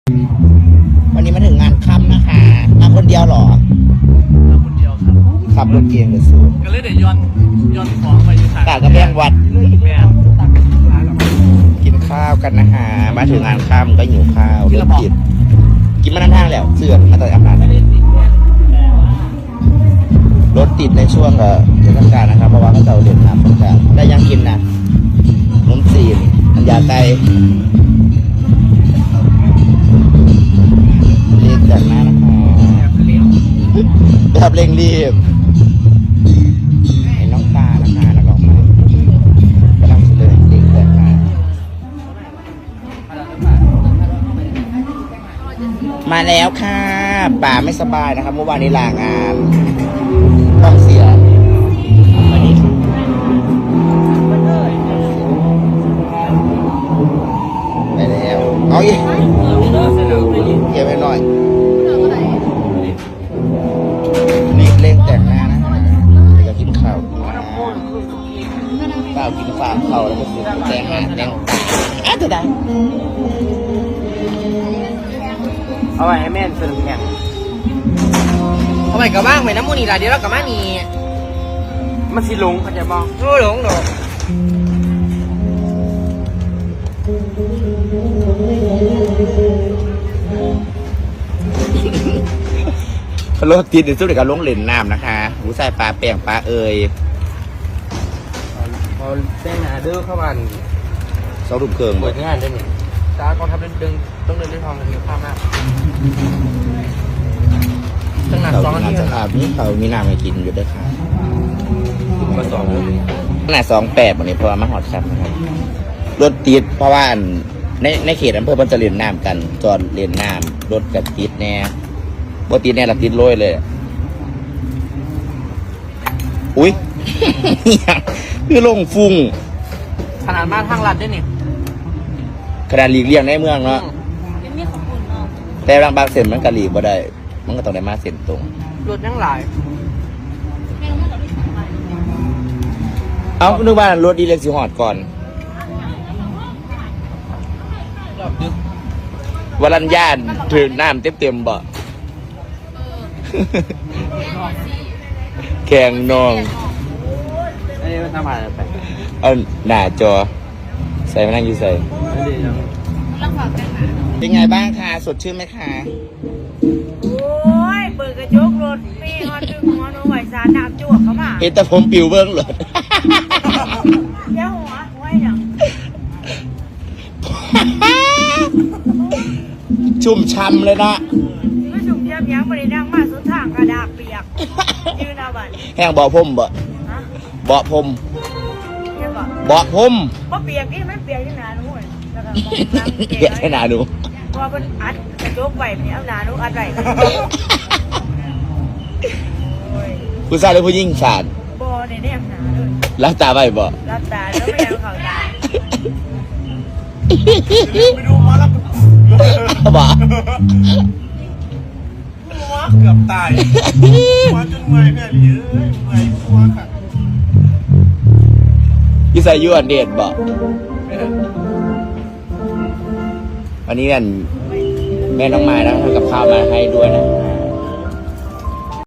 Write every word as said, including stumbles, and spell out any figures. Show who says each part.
Speaker 1: วันนี้มาถึงงานค่ำนะคะมาคนเดียวหรอ
Speaker 2: มาคนเดียวครับ
Speaker 1: ขับรถเก่งเลยสู
Speaker 2: ก็เลยเดี๋ยวย้อนย้อนของไปอยู่ทาง
Speaker 1: ตากระแบงวัด
Speaker 2: แม่
Speaker 1: กินข้าวกันนะคะมาถึงงานค่ำก็หิวข้าวรถติดกินมาทั้งทางแล้วเสื่อมมาต่อยอำนาจรถติดในช่วงเทศกาลนะครับเพราะว่าเขาจะเรียนน้ำสงกรานต์ได้ยังกินนะนมจีนอันยาไตเรียกจากหน้านะคะแบบเร่งรีบไอ้น้องตานะคะนักร้องใหม่กำลังเฉลยเด็กแต่งมามาแล้วค่ะป่าไม่สบายนะครับเมื่อวานนี้ลางานต้องเสียวันนี้ไปแล้วเอาอีกเก็บไปหน่อยนี่เร่งแต่งหน้านะฮะเดี๋ยวจะกินข้าวข้าวกินฝากข้าวแล้วก็สิแต่งหน้าแต่งตาอ่ะจะได้เอาไว้ให้แม่สนุกแข่ง
Speaker 3: เอาไปกับบ้างไปน้ำมูนี่ละเดี๋ยวเรากับมานี่
Speaker 1: มันสิหลงเขาจะบอก
Speaker 3: โอ้หลงดอก
Speaker 1: รถติดในสุดกับลงเล่นน้ำนะคะหูใส่ปลาแป้งปลาเอ่ย
Speaker 3: พอแจ้งหนาเด้อเข้าบ้าน
Speaker 1: สองรูปเครื่อง
Speaker 3: เปิดงานได้หนิจ้ากองทัพเดินต้องเดินด้วยทองกันเยอะข้ามมากตั้งนานสองนาที
Speaker 1: ครับนี่เขามีน้ำให้กินอยู่ด้วยค่ะ
Speaker 3: มาสอง
Speaker 1: ขนาดสองแปดวันนี้เพราะว่ามาหอดครับนะครับรถติดเพราะว่าในในเขตอำเภอมันจะเรียนน้ำกันจอดเรียนน้ำรถกับติดแน่บ่ติดแน่ละติดโรยเลยอุ้ยคือลงฟุ้ง
Speaker 3: ขนาดมาทางลัดได้นี่
Speaker 1: ขนาดหลีกเลี่ยงในเมืองเนาะแต่บางบางเส้นมันกะหลีกบ่ได้มันก็ต้องได้มาเส้นตรง
Speaker 3: รถยังหลาย
Speaker 1: เอ้านึกว่ารถดีเล็กสิหอดก่อนวรัญญาณถือน้ำเต็มเต็มบ่แข่งนอง
Speaker 3: อันนี้มันทำอะไรไป
Speaker 1: เอาหน้าจอใส่มานั่งอยู่ใส่เป็นไงบ้างคะสดชื่นไหมคะ
Speaker 4: โอ้ยเปิดกระจกรถมีฮอนดึงหัวหนูไหวสารน้ำจวกเข้ามา
Speaker 1: เห็นแต่ผมปิวเบิ้งเลย
Speaker 4: เดี๋ยวหัวหัวอย่าง
Speaker 1: ชุ่มช่ำเลยนะ
Speaker 4: ไม่ชุ่มยับยั้งบริดังมาสุดทางกระดาษเปียกยืนเอาบัตร
Speaker 1: แห้งเบาพมบ่เบาพมเบาพม
Speaker 4: เพราะเปียกนี่มันเปียกที่หนาหนู
Speaker 1: เปียกที่หนาหนู
Speaker 4: พอมันอัดกระจกไหวเนี่ยเอาหนาหนูอัดไหว
Speaker 1: ผู้ชายหรือผู้หญิงสาร
Speaker 4: บอในเนี่ยหนาเลย
Speaker 1: รับตาไว้บ่
Speaker 4: รับตาแล้วไม่เอาเขาตา
Speaker 2: ไปดูมาแล้ว
Speaker 1: บ่
Speaker 2: หัวเกือบตายหัวจนเมื่อยแม่เลยเอ้ยเมื่อยหัวค่ะ
Speaker 1: ยี่ใส่ยูอันเดดบ่วันนี้กันแม่น้องไม้นะทำกับข้าวมาให้ด้วยนะ